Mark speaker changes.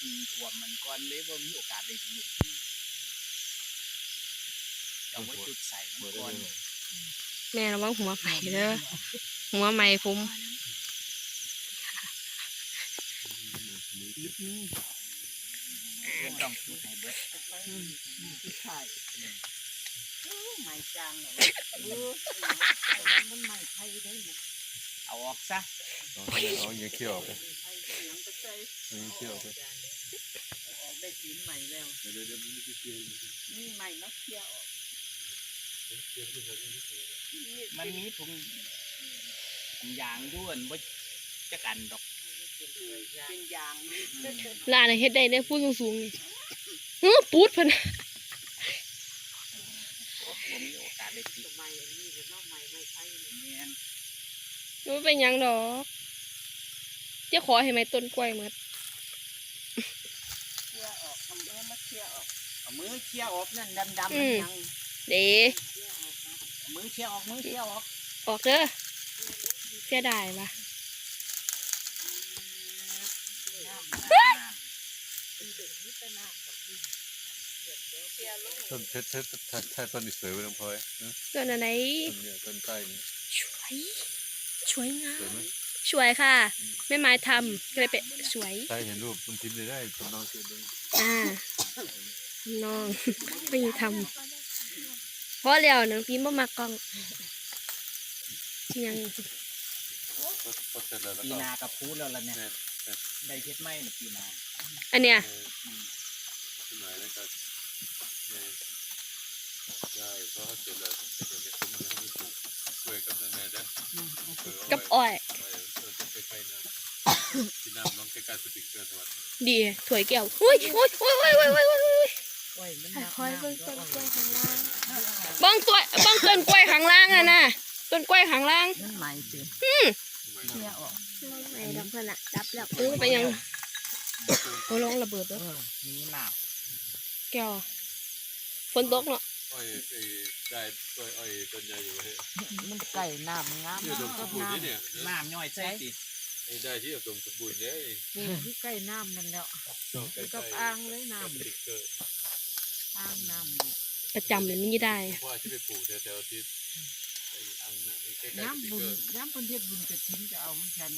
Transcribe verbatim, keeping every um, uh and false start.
Speaker 1: ทิ้งถ่วมมันก่อนเลยว่ามีโอกาสได้ลุกเอาไว้จุดใส่มันก่อน
Speaker 2: แม่ระวังหัวไฟเด้อหัวไม้ผม
Speaker 1: ต้องจุดให้เบิดใช่ไม้จางเนี่ยมันไม้ไผ่ได้เอาออกซะ
Speaker 3: เอาอย่างเขี้ยวไปอย่างเขี้ยวไป
Speaker 1: ออกได้กินใหม่แล้วเดี๋ยวเดี๋ยวมันจะเกี่ยวนี่ใหม่มาเกี่ยวออกมันมีถุงยางด้วนว่าจะกันดอกเป็นยาง
Speaker 2: ลาน่ะเฮ็ดได้ได้พูดสูงๆนี่เฮ้อปูดเพิ่น
Speaker 1: ผมมีโอกาสได้ติดใหม่นี่เป็นนอกใหม่ไม่ใช่เนี่ย
Speaker 2: มันเป็นหยังดอกจะขอให้ไหมต้นกล้วยหมด
Speaker 1: เคี่ยออกเอามือมาเคี่ยออกเอามือเคี่ยออกนั่นดำๆมันยัง
Speaker 2: เด้
Speaker 1: มือเคี่ยออกมือเคี่ยออก
Speaker 2: ออกเด้อเสียดายว่ะ
Speaker 3: ต้นเพชรเพชรแท้ต้นอีสวยไปน้องพลอย
Speaker 2: ต้นอะไร
Speaker 3: ต้นเนี่ยต้นใต้เนี่ย
Speaker 2: สวยสวยงามสวยค่ะแม่ไม้ทำก็เลยเป็นสวย
Speaker 3: ใช่เห็นรูปต้นพิมพ์เลยได้ต้นน้องเกิดเลย
Speaker 2: อ่าน้องไม่ทำเพราะแล้วน้องพิมพ์บ่มากล้องยัง
Speaker 1: ปีนากับพูดแล้วล่ะเนี่ยได้เพชรไหมเนี่ยปีนา
Speaker 2: อันเนี้ย
Speaker 3: หน่อยแล้วก็ใช่เพราะเขาเสร็จแล้วเดี๋ยวนี้คุ้มเลยเขาไม่ปลูกกล้วยกับนั่นแน่เด้อ
Speaker 2: กับอ้อย
Speaker 3: ที่น้ำน้องใกล้ๆสติกเกอร์สวัส
Speaker 2: ดีดีถวยแก้วอุ้ยอุ้ยอุ้ยอุ้ยอุ้ยอุ้ยอุ้ยคอยเบิ่งต้นกล้วยข้างล่างบ้องตัวบ้องต้นกล้วยข้างล่างอ่ะนะต้นกล้วยข้างล่าง
Speaker 1: นั่นใหม่สิ
Speaker 2: อืม
Speaker 1: เคี่ยออก
Speaker 2: ไม่ดอกเพื่อนอะจับแล้วเออไปยังโอ้ลงระเบิดด้วย
Speaker 1: นี่หนาว
Speaker 2: แก้วฝนตกเนาะ
Speaker 3: อ้อยได้ต้นอ้อยต้นใหญ่อยู่เฮ้ย
Speaker 1: มันไก่น้ำงาม
Speaker 3: เนี่ยดมสมบูรณ์เนี่ย
Speaker 1: น้ำย่อยใช่สิ
Speaker 3: ได้ที่ดมสมบูรณ์เนี่ย
Speaker 1: ที่ใกล้น้ำนั่นแล้วกับอ่างเลยน้ำอ่างน้ำ
Speaker 2: ประจำเลยไม่ได้
Speaker 3: ว่าที่ไปปลูกแถวๆที่
Speaker 1: น้ำบุญน้ำบุญเทศบุญจะทิ้งจะเอาเหมือนกัน